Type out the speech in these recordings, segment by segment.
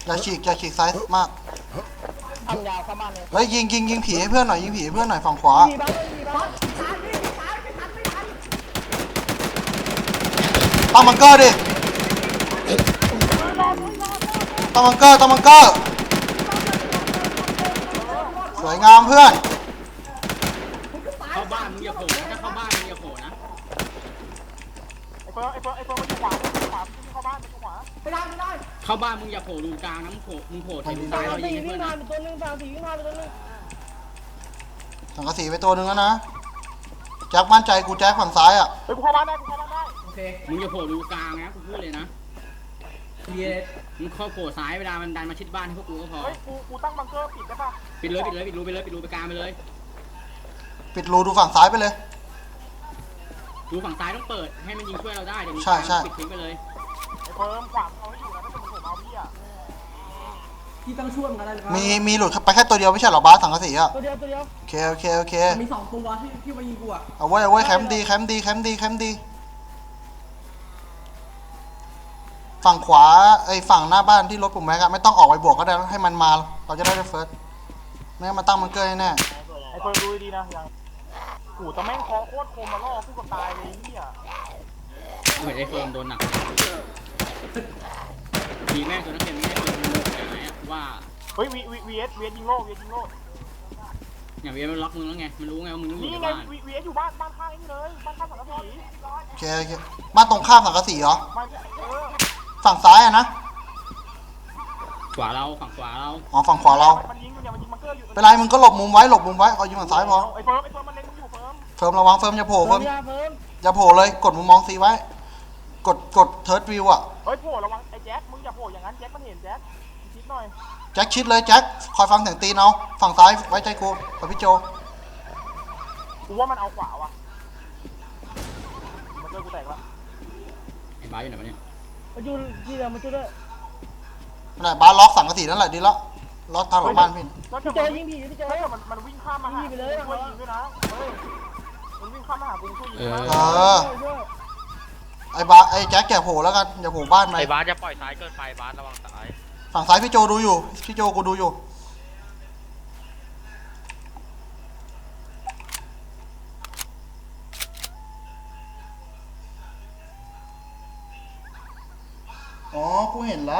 อย่าฉีกซ้ายมากทำยาวเข้าบ้านเลยเฮ้ยยิงผีให้เพื่อนหน่อยยิงผีให้เพื่อนหน่อยฝั่งขวามีบ้านมีบ้านตั้งบังเกอร์ดิตั้งบังเกอร์สวยงามเพื่อนเข้าบ้านมึงอย่าโผล่ถ้าเข้าบ้านมึงอย่าโผล่นะไอ้เฟิร์มมันอยู่ขวาเข้าบ้านมันอยู่ขวาไม่ได้เข้าบ้านมึงอย่าโผล่รูกลางนะมึงโผล่แถวซ้ายเรายิงให้เพื่อนนะตัวนึงฝั่งสีวิ่งมาตัวนึงสังกะสีไปตัวนึงแล้วนะแจ็คมั่นใจกูแจ็คฝั่งซ้ายอ่ะเฮ้ยกูเข้าบ้านได้โอเคมึงอย่าโผล่รูกลางนะกูพูดเลยนะมึงเข้าโผล่ซ้ายเวลามันดันมาชิดบ้านให้พวกกูก็พอเฮ้ยกูตั้งบังเกอร์ปิดได้ป่ะปิดรูไปกลางไปเลยปิดรูดูฝั่งซ้ายไปเลยรูฝั่งซ้ายต้องเปิดให้มันยิงช่วยเราได้เดี๋ยวปิดทิ้งไปเลยไอ้เฟิร์มขวางเอาให้อยู่นะถ้าเป็นผมเอาพี่อ่ะพี่ต้องช่วยกันอะไรมีหลุดไปแค่ตัวเดียวไม่ใช่หรอบาสสังกะสีอ่ะตัวเดียวโอเคมี2ตัวที่มายิงกูอ่ะเอาไว้แคมป์ดีฝั่งขวาไอ้ฝั่งหน้าบ้านที่รถปุ่มแม็กอะไม่ต้องออกไปบวกก็ได้ให้มันมาเราจะได้เฟิร์สไม่งั้นมาตั้งบังเกอร์แน่ไอ้เฟิร์มดูดีนะยังโอ้แต่แม่งคอโคตรคมมาล่อกูกับตายเลยนี่อ่ะเหมือนไอ้เฟิร์มโดนหนักทีแม่งตัวนักเรียนไม่ได้เป็นไหนว่าเฮ้ยวีเอสยิงโล่อย่างวีเอสมันล็อกมึงแล้วไงมันรู้ไงว่ามึงต้องอยู่ในบ้านวีเอสอยู่บ้านข้างนี่เลยบ้านข้างสังกะสีโอเคบ้านตรงข้ามสังกะสีเหรอฝั่งซ้ายอะนะขวาเราฝั่งขวาเราอ๋อฝั่งขวาเรามันยิงบังเกอร์อยู่เป็นไรมึงก็หลบมุมไว้เอายิงฝั่งซ้ายพอไอ้เฟิร์มมันเล็งอยู่เฟิร์มระวังเฟิร์มอย่าโผล่อย่าโผล่เลยกดมุมมองซีไว้กดเทิร์ดวิวอะเฮ้ยโผล่ระวังไอ้แจ็คมึงอย่าโผล่อย่างนั้นแจ็คมันเห็นแจ็คคิดหน่อยแจ็คชิดเลยแจ็คคอยฟังเสียงตีนเอาฝั่งซ้ายไว้ใจกูกับพี่โจกูว่ามันเอาขวาว่ะมันเจอกูแตกแล้วไอ้บ้าอยู่ไหนวะเนี่ยมาจูที่เดิมมาจูด้วยนั่นบ้านล็อกสังกะสีนั่นแหละดีแล้วล็อกทางหลังบ้านพี่เจอยิงผีพี่เจอมันวิ่งข้ามมาหาไปเลยช่วยยิงด้วยนะมันวิ่งข้ามมาหากูช่วยยิงไอ้แจ็คแกโผล่แล้วกันอย่าโผล่บ้านไปไอ้บาสจะปล่อยซ้ายเกินไปบาสระวังซ้ายฝั่งซ้ายพี่โจดูอยู่พี่โจกูดูอยู่อ๋อกูเห็นละ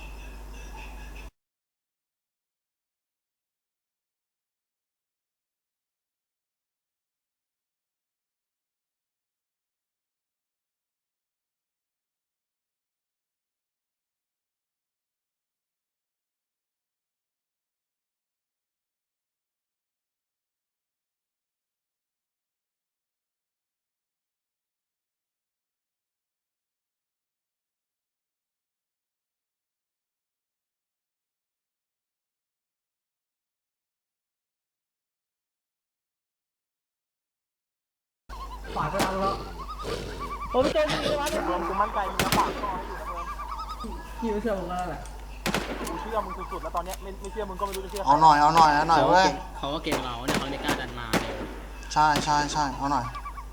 ฝ่ายไปแล้วผมเจอยิงเลยว่ากูมั่นใจมึงจะฝากต่อให้อยู่นะเฟิร์มพี่ไม่เชื่อผมแล้วแหละกูเชื่อมึงสุดๆแล้วตอนนี้ไม่เชื่อมึงก็ไม่รู้จะเชื่อเอาหน่อยเว้ยเขาก็เกมเราเนี่ยเขาไม่กล้าดันมาเลยใช่เอาหน่อย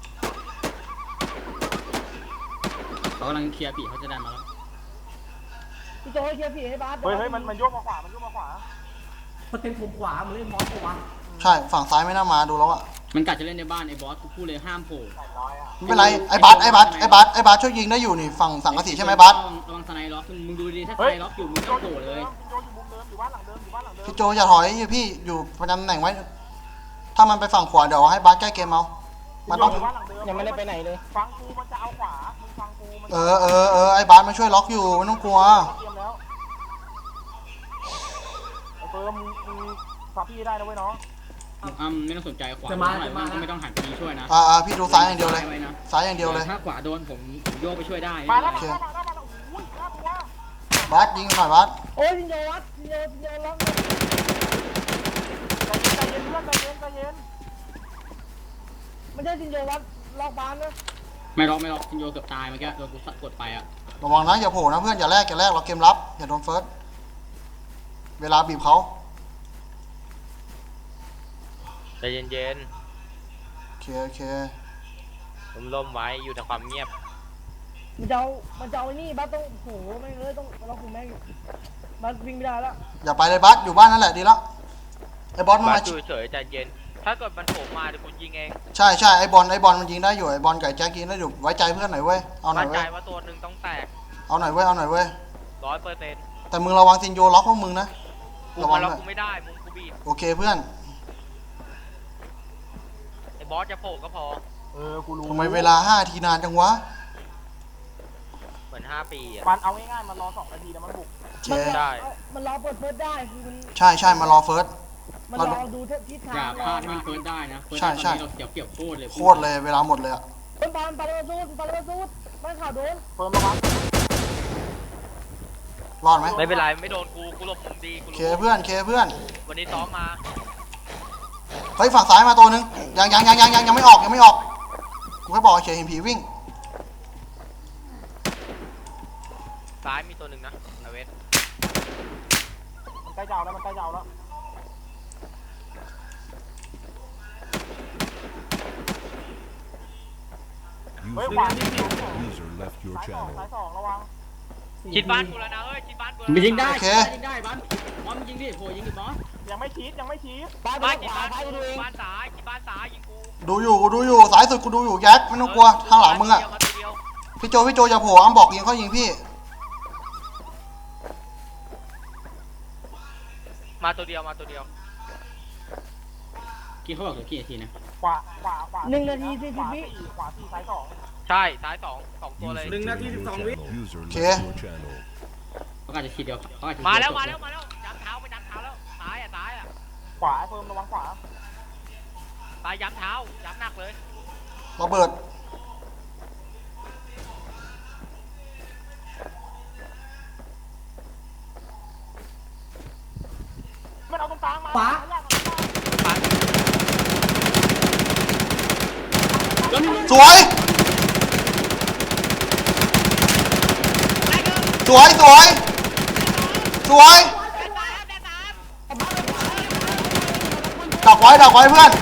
เขากำลังเคลียร์ปีเขาจะดันมาแล้วพี่โจให้เคลียร์ผีให้บาสเฮ้ยมันโยกมาขวามันเป็นผมขวามันเล่นมอสตัวใช่ฝั่งซ้ายไม่น่ามาดูแล้วอะมันกัดจะเล่นในบ้านไอ้บอสกูพูดเลยห้ามโผล่ไม่เป็นไรไอ้บาสช่วยยิงได้อยู่นี่ฝั่งสังกะสีใช่ไหมบาสระวังสไนล็อกมึงดูดีถ้าสไนล็อกอยู่มึงต้องโผล่เลยพี่โจอย่าถอยพี่อยู่ประจำตำแหน่งไว้ถ้ามันไปฝั่งขวาเดี๋ยวให้บาสแก้เกมเอามันต้องยังไม่ได้ไปไหนเลยฟังกูมันจะเอาขวามึงฟังกูไอ้บาสมาช่วยล็อกอยู่ไม่ต้องกลัวเฟิร์มมึงฝากพี่ได้นะเว้ยน้องไม่ต้องสนใจขวาไม่ต้องหันไปช่วยนะพี่ดูซ้ายอย่างเดียวเลยถ้าขวาโดนผมโยกไปช่วยได้มาแล้วบาสยิงหน่อยบาสโอ้ยจินโยล็อกใจเย็นไม่ใช่จินโยล็อกบ้านนะไม่ล็อกจินโยเกือบตายเมื่อกี้โดนกูกดไปอะระวังนะอย่าโผล่นะเพื่อนอย่าแลกเราเกมรับอย่าโดนเฟิร์สเวลาบีบเขาใจเย็นโอเคล่มไว้อยู่ในความเงียบมันจะเอาไอ้นี่บ้าต้องโหไม่เลยต้องเราคุมแม่งมันวิ่งไม่ได้แล้วอย่าไปเลยบัสอยู่บ้านนั่นแหละดีแล้วไอ้บอสมันบามาสอยู่เฉยใจเย็น ถ้าเกิดมันโผล่มาเดี๋ยวกูยิงเองใช่ไอ้บอลมันยิงได้อยู่ไอ้บอลไก่แจ็คยิงได้อยู่ไว้ใจเพื่อนหน่อยเว้ยเอาหน่มั่อน ยใจเว้ยว่าตัวหนึ่งต้องแตกเอาหน่อยเว้ย 100% แต่มึงระวังซินโยล็อกพวกมึงนะกูระวัมาง ล็อกด้วยกูไม่ได้มุมกูบีบโอเคเพื่อนไอ้บอสจะโผล่ก็พอกูรู้ทำไมเวลา5 ทีนานจังวะเหมือน5 ปีอ่ะมันเอาง่ายๆมันรอ2 นาทีแล้วมันบุกโอเคได้มันรอเปิดเฟิร์สได้คือมันใช่มารอเฟิร์สมันรอดูทิศทาอย่าง พลาดให้มันเฟิร์สได้นะเฟิร์สใช่ได้ตอนนี้เราเกี่ยวโคตรเลยโคตรเลยเวลาหมดเลยอะมันปาระสูดมันข่าวโดนเฟิร์มระวังรอดไหมไม่เป็นไรไม่โดนกูหลบมุมดีกูเครู้เพื่อนวันนี้ซ้อมมาเฮ้ยฝั่งซ้ายมาตัวนึงยังไม่ออกกูแค่บอกเฉยเห็นผีวิ่งซ้ายมีตัวหนึ่งนะเอาเวสมันใกล้จะเอาแล้ว เฮ้ยขวาที่ User left your ซ้าย channel. สองระวังชิดบ้านกูแล้วนะเฮ้ยชิดบ้านกูแล้วมันยิงได้โอเคยิงได้บอสมันยิงดิโผล่ยิงดิบอสยังไม่ชี้บ้านชิดบ้านกูบ้านซ้ายชิดบ้านซ้ายยิงกูดูอยู่สายสุดกูดูอยู่แจ็คไม่ต้องกลัวข้างหลังมึงอะมาตัวเดียวพี่โจอย่าโผล่อ้ำบอกยิงเขายิงพี่มาตัวเดียวกี่เขาบอกเหลือกี่นาทีนะขวา1 นาที 40 วิขวา4ซ้าย2 ใช่ซ้ายสองตัวเลย User left your channel. User Okay. left your channel. เขาอาจจะทีเดียวเขาอาจจะมาแล้วย้ำเท้าไปย้ำเท้าแล้วซ้ายอ่ะขวาเฟิร์มระวังขวาซ้ายย้ำเท้าย้ำหนักเลยระเบิดมันเอาตรงกลางมาสวยดักไว้เพื่อน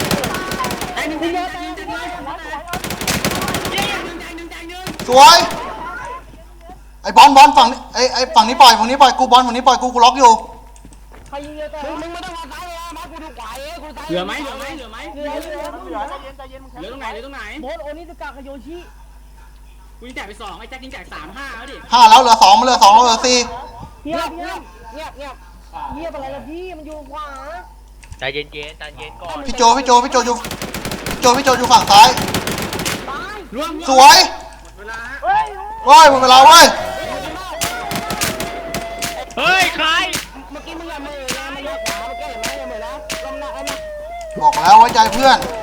สวยไอ้บอลฝั่งไอ้ฝั่งนี้ปล่อยกูบอลฝั่งนี้ปล่อยกูล็อกอยู่ใครยิงเยอะแต่มึงไม่ต้องมาซ้ายเลยมากูดูขวากูซ้ายเหลือไหมเหลือใจเย็นมึงเหลือตรงไหนโบสโอนิสกะกับโยชิกูยิงแจกไป2ไอ้แจ็คยิงแจก3-5แล้วดิ 5แล้วเหลือ2มันเหลือ2แล้วเหลือ4 เงียบอะไรล่ะพี่มันอยู่ขวาใจเย็นก่อนพี่โจอยู่ฝั่งซ้ายรวมสวยเฮ้ยเว้ยหมดเวลาเว้ยเฮ้ยใครเมื่อกี้มึงอย่ามือนะมันเลือกขวาเมื่อกี้เห็นไหมอย่ามือนะลมหนักแล้วนะบอกแล้วไว้ใจเพื่อนเ